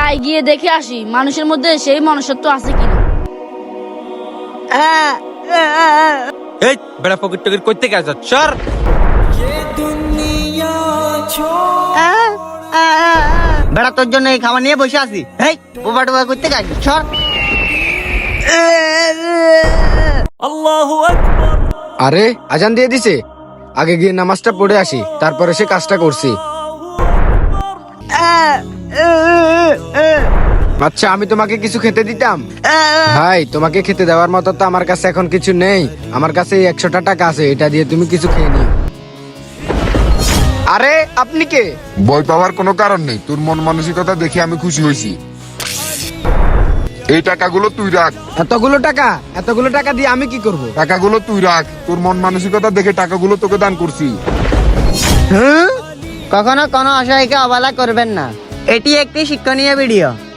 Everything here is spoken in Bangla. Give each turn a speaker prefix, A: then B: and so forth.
A: যাই গিয়ে দেখে আসি মানুষের মধ্যে সেই মনুষ্যত্ব আছে কিনা।
B: এই বেড়া পকেট টকেট করতে গেছ সর।
C: বেড়া তোর জন্য এই খাবার নিয়ে বসে আছি। এই বোবা টোবা করতে গেছি সর।
D: আরে আজান দিয়ে দিছে, আগে গিয়ে নামাজটা পড়ে আসি, তারপরে সে কাজটা করছি। আচ্ছা আমি তোমাকে কিছু খেতে দিতাম। ভাই তোমাকে খেতে দেওয়ার মতো তো আমার কাছে এখন কিছু নেই, আমার কাছে এই 100টা টাকা আছে, এটা দিয়ে তুমি কিছু খেয়ে নিও। আরে আপনি কে?
E: ভয় পাওয়ার কোনো কারণ নেই, তোর মন মানসিকতা দেখে আমি খুশি হয়েছি। এই টাকাগুলো তুই রাখ।
D: এতগুলো টাকা দিয়ে আমি কি করব?
E: টাকাগুলো তুই রাখ, তোর মন মানসিকতা দেখে টাকাগুলো তোকে দান করছি।
C: কখনো কোনো অসহায়কে অবহেলা করবেন না, এটি একটি শিক্ষণীয় ভিডিও।